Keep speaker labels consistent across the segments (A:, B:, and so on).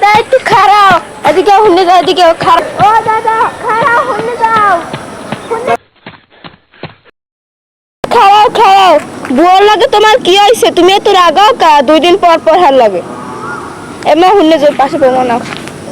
A: দাদা একটু খারাপ, এদিকে হুন্ডে যাও, এদিকে খারাপ। ও দাদা খারাপ, হুন্ডে যাও, খারাপ খারাপ। বুয়ার লাগে তোমার কি হয়েছে? তুমি এত রাগাও কা? 2 দিন পর পর হার লাগে। এমা হুন্ডে যাও, পাশে পাবো না।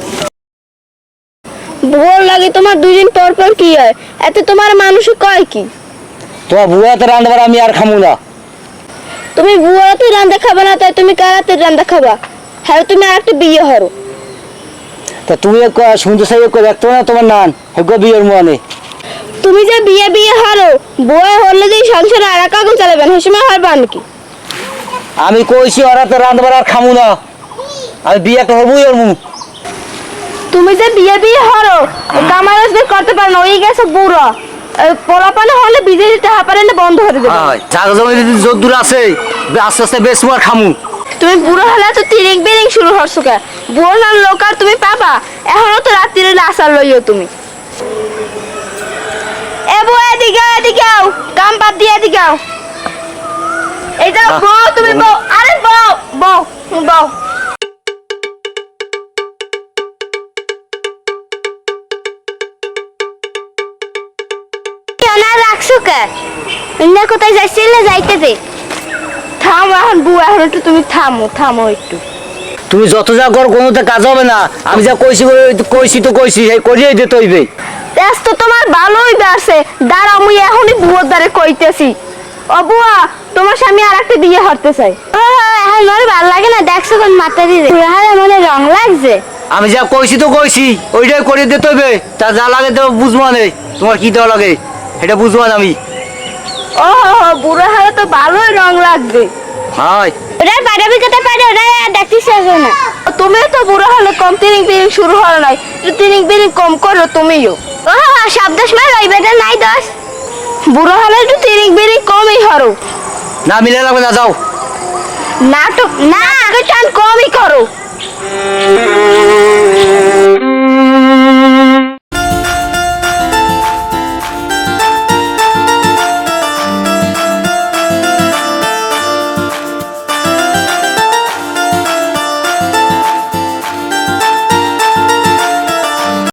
A: বুয়ার লাগে তোমার 2 দিন পর পর কি হয়? এতে তোমার মানুষ কয় কি?
B: তোমার বুয়াতে রান্নাবার আমি আর খামু না।
A: তুমি বুয়াতে রান্না খাবা না, তাই তুমি কারাতে রান্না খাবা? হ্যাঁ, তুমি আর একটা বিয়ে হরো।
B: তা তুমি শুনতে চাই দেখতো না তোমার নান হেগো বিয়ের মানে
A: তুমি যে বিয়ে বিয়ে হারো, বউয়ে হলে যে সংসারে আর কাগজ চালাবেন, সেই সময় হারবা নাকি?
B: আমি কইছি ওরাতে রান্নাবার আর খামু না, আমি বিয়ে করবই ওর মুখ।
A: তুমি যে বিয়ে বিয়ে হারো, কামারাজ বের করতে পারো না, ওই গেছে বুড়ো। পোলাপানে হলে বিজে দিতে হাপারে না, বন্ধ করে দেবে।
B: জায়গা জমি যদি যদ্দূর আছে আস্তে আস্তে বেশ আর খামু।
A: তুমি বুড়ো হলে তো তিরিং বিরিং শুরু হচ্ছো কে? বুড়ো না লোক আর তুমি পাবা? এখনো তো রাত্রিরে আসার লইও তুমি। এ বউ এদিকে এদিকে আও, কাম বাদ দিয়ে এদিকে আও। এই যাও বউ, তুমি বউ, আরে বউ বউ বউ। কেনা রাখছো কে? অন্য কোথায় যাইছিলে? যাইতে দে। থামো এখন বউ, এখন একটু তুমি থামো, থামো একটু।
B: তুমি যত যা কর কোনোতে কাজ হবে না। আমি যা কইছি কইছি তো কইছি, এই করিয়ে দিতে হইবে।
A: তেজ তো তোমার ভালোই বাড়ছে। দাঁড়া, আমি এখনই বুয়োর দ্বারে কইতেছি। ও বুয়া, তোমার স্বামী আর একটা বিয়ে হতে চাই। এখন মনে ভালো লাগে না, দেখছো কোন মাথা দিয়ে মনে রং লাগছে।
B: আমি যা কইছি তো কইছি, ওইটাই করিয়ে দিতে হইবে। তা যা লাগে তো বুঝবো না, তোমার কি দেওয়া লাগে এটা বুঝবো না আমি।
A: ও বুড়ো হারে তো ভালোই রং লাগবে।
B: হাই
A: ওরা পারাবি কথা পারে, ওরা দেখতেছ না। তুমিও তো বুড়ো হলে কম তিরিং বিরিং শুরু হল নাই, তিরিং বিরিং কম করো তুমিও। ও সব দোষ মার ওই বেটা নাই দোষ। বুড়ো হলে একটু তিরিং বিরিং কমই হরো।
B: না মিলে লাগবে না, যাও।
A: নাটক না, আগে টান কমই করো।